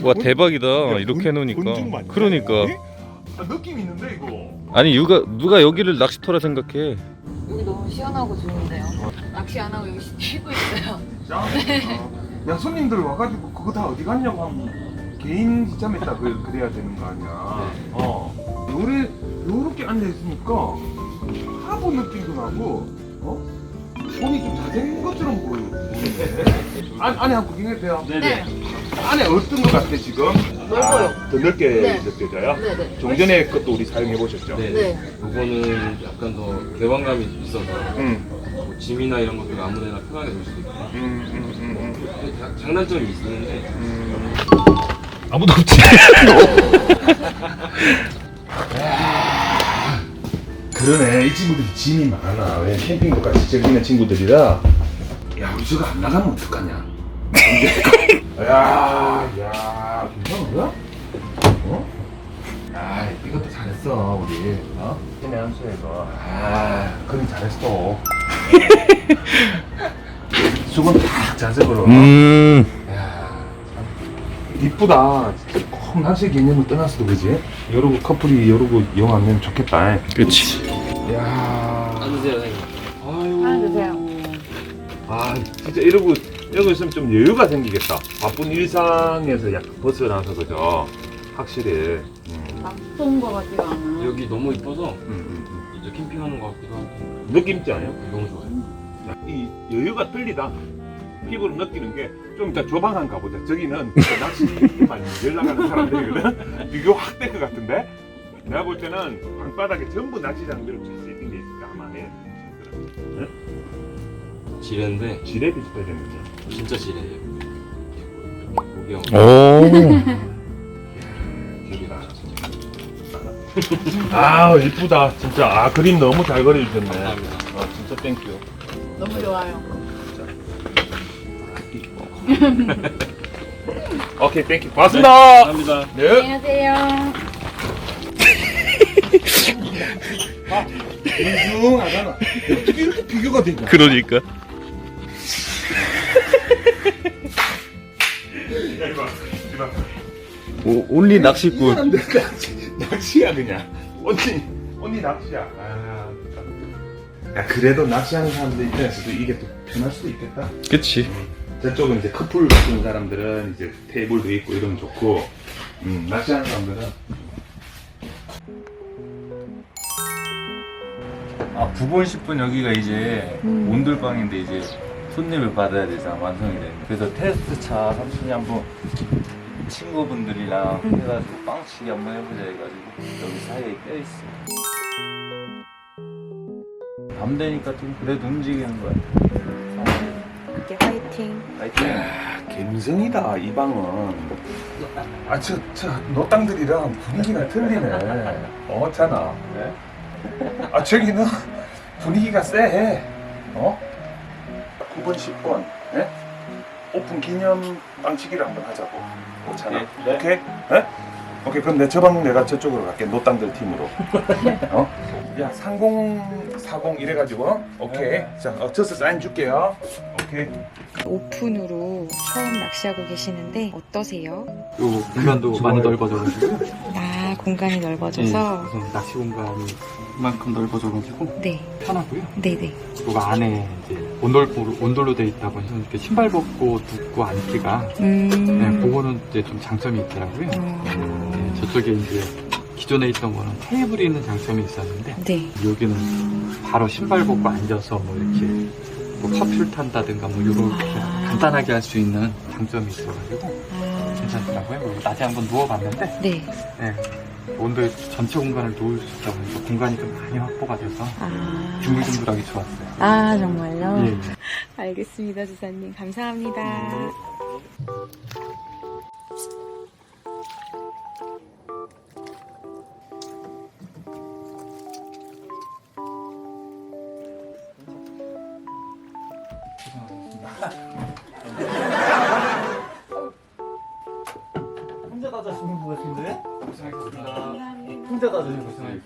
와 대박이다. 야, 이렇게 해놓으니까. 건축 맞냐? 그러니까. 에? 아, 느낌 있는데 이거. 아니 누가 여기를 낚시터라 생각해. 여기 너무 시원하고 좋은데요. 낚시 안 하고 여기 쉬고 있어요. 야 손님들 와가지고 그거 다 어디 갔냐고 하면 개인 지참에다 그래야 되는 거 아니야. 요렇게 앉아 있으니까 하부 느낌도 나고, 손이 좀 자된 것처럼 보이는데. 안에 한번 구경해도 돼요? 네. 안에 어떤 것 같아 지금? 넓어요. 더 넓게 네. 느껴져요? 네네. 좀 전에 것도 우리 사용해 보셨죠? 네. 네. 이거는 약간 더 개방감이 있어서 응. 뭐 짐이나 이런 것들 아무데나 편하게 놓을 수도 있고 근데 장단점이 있는데 아무도 없지. 그러네. 이 친구들이 짐이 많아. 왜 캠핑도 같이 즐기는 친구들이라. 야, 우리 저거 안 나가면 어떡하냐? 야, 괜찮은 거야? 아, 이것도 잘했어, 우리. 힘의 한 수에 이거. 그림 잘했어. 수건 딱 자석으로. 야, 이쁘다. 진짜 꼭 낚시 개념을 떠났어도 그지? 여러분 커플이 이러고 영화면 좋겠다. 그렇지. 야, 앉으세요 선생님. 하나 드세요. 아 진짜 이러고 있으면 좀 여유가 생기겠다. 바쁜 일상에서 약간 벗어나서 그죠? 확실히. 낯선 거 같지가 않아요. 여기 너무 이뻐서 이제 캠핑하는 것 같기도 하고 느낌 있지 않아요? 너무 좋아요. 이 여유가 틀리다. 피부로 느끼는 게 좀 이따 조방한 가보자. 저기는 낚시만 연락하는 사람들이거든. 비교 확 될 것 같은데? 내가 볼 때는 방바닥에 전부 낚시 장비로 잘 세팅돼 있을까 아마 해. 지뢰인데 지뢰 비슷하게 생겼죠. 진짜 지뢰예요. 고기하고 오. 여기다. 아 이쁘다 진짜. 아 그림 너무 잘 그려주셨네. 감사합니다. 아 진짜 땡큐. 너무 좋아요. 오케이 땡큐. 고맙습니다. 감사합니다. 네. 안녕하세요. 웅중하잖아. 어떻게 이렇게 비교가 되냐? 그러니까. 이봐. 온리 낚시꾼. 사람들 낚시야 그냥. 언니 낚시야. 야 그래도 낚시하는 사람들 입장에서도 이게 또 편할 수도 있겠다. 그치. 저쪽은 이제 커플 같은 사람들은 이제 테이블도 있고 이러면 좋고, 낚시하는 사람들은. 아 9번 10분 여기가 이제 온돌방인데 이제 손님을 받아야 되잖아. 완성이 되는. 그래서 테스트 차 삼촌이 한번 친구분들이랑 해가지고 빵치기 한번 해보자 해가지고 여기 사이에 껴있어. 밤 되니까 좀 그래도 움직이는 거야. 이렇게 화이팅. 파이팅. 갬성이다 이 방은. 아 저 노땅들이랑 분위기가 틀리네. 어잖아. 아 저기는 분위기가 쎄해. 9번 10번 오픈 기념 빵치기를 한번 하자고. 괜찮아? 네. 오케이? 오케이 그럼 내 저방 내가 저쪽으로 갈게. 노땅들 팀으로. 야 3040 이래가지고 오케이. 자 저서 사인 줄게요. 오케이. 오픈으로 처음 낚시하고 계시는데 어떠세요? 요 공간도 많이 넓어져가지고 아, 공간이 넓어져서 우선 낚시 공간이 이만큼 넓어져가지고 네, 편하고요. 네네. 그리고 안에 이제 온돌로 돼 있다 보니까 이렇게 신발 벗고 눕고 앉기가 네, 그거는 이제 좀 장점이 있더라고요. 네, 저쪽에 이제 기존에 있던 거는 테이블이 있는 장점이 있었는데 네. 여기는 바로 신발 벗고 앉아서 뭐 이렇게 뭐 커피를 탄다든가 뭐 이렇게 간단하게 할 수 있는 장점이 있어가지고 괜찮더라고요. 그리고 낮에 한번 누워봤는데 네. 네, 온도에 전체 공간을 놓을 수 있다 보니까 공간이 좀 많이 확보가 돼서 둥글둥글하게 좋았어요. 아, 정말요? 예, 예. 알겠습니다, 주사님. 감사합니다. 혼자 다자시는 것 같은데? 혼자 다자시는 것 같은데?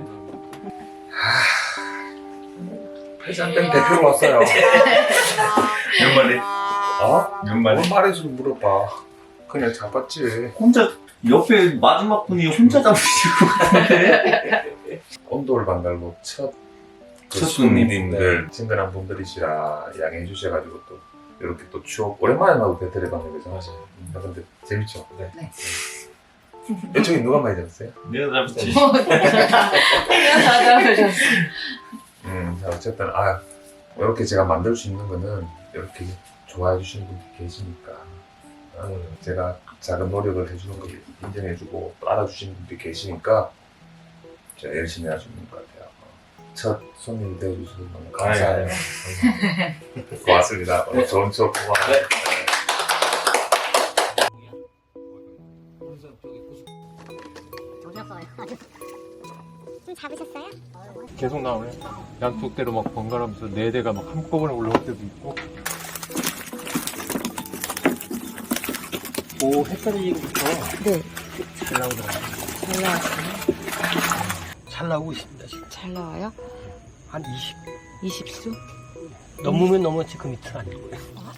회장땡 대표로 왔어요. 몇 마리? 몇 마리? 말해서 물어봐. 그냥 잡았지. 혼자 옆에 마지막 분이 혼자 잡으시고 같은데. 온돌 방갈로 첫 첫 손님들 친근한 분들이시라 양해해 주셔가지고 또 이렇게 또 추억 오랜만에 나도 배틀에 봤는데 그죠? 맞아요. 근데 재밌죠? 네. 이쪽에 누가 많이 잡았어요? 내가 잡지. 자, 어쨌든 이렇게 제가 만들 수 있는 거는 이렇게 좋아해 주시는 분이 계시니까 제가 작은 노력을 해주는 걸 인정해주고 또 알아주시는 분들이 계시니까 제가 열심히 할 수 있는 것 같아요. 첫 손님이 되어주셔서 너무 감사해요. 고맙습니다. 오늘 좋은 추억 고마워요. 좀 잡으셨어요? 계속 나오네. 양쪽대로 막 번갈아가면서 4대가 막 한꺼번에 올라올 때도 있고. 오, 햇살이부터 네. 잘 나오더라고요. 잘 나왔어요. 잘 나오고 있습니다, 지금. 잘 나와요? 한 20. 20수? 넘으면 넘었지, 그 밑은 아니고요.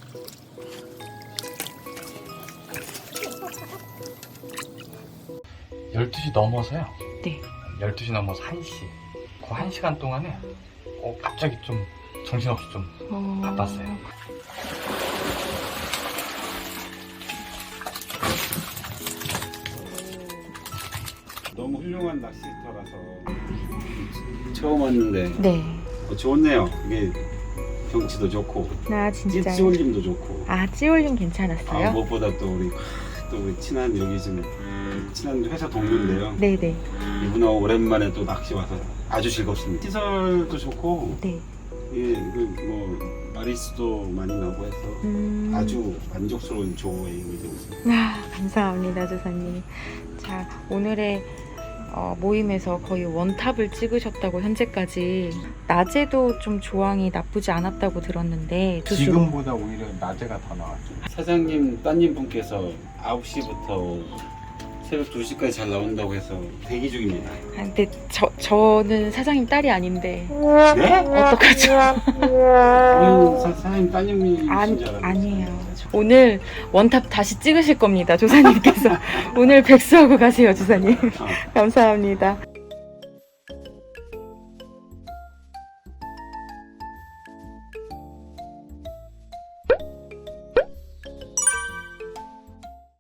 (12시) 넘어서요. 네. 12시 넘어서 1시. 그 1시간 동안에 갑자기 좀 정신없이 좀 바빴어요. 너무 훌륭한 낚시터라서 처음 왔는데 네. 좋네요. 이게 경치도 좋고 아, 진짜. 찌올림도 좋고 찌올림 괜찮았어요? 무엇보다 또 우리 친한 여기 지금 친한 회사 동료인데요. 네네. 이분하고 오랜만에 또 낚시 와서 아주 즐겁습니다. 시설도 좋고 네. 뭐 마리수도 많이 나고 해서 아주 만족스러운 조여행이 되고 있습니다. 감사합니다, 조사님. 자, 오늘의 모임에서 거의 원탑을 찍으셨다고 현재까지 낮에도 좀 조항이 나쁘지 않았다고 들었는데 지금보다 오히려 낮에가 더 나왔죠. 사장님 따님 분께서 9시부터 새벽 2시까지 잘 나온다고 해서 대기 중입니다. 근데 저는 사장님 딸이 아닌데 네? 어떡하죠? 사장님 따님이신 줄 알았는데. 아니에요. 오늘 원탑 다시 찍으실 겁니다, 조사님께서. 오늘 백수하고 가세요, 조사님. 감사합니다.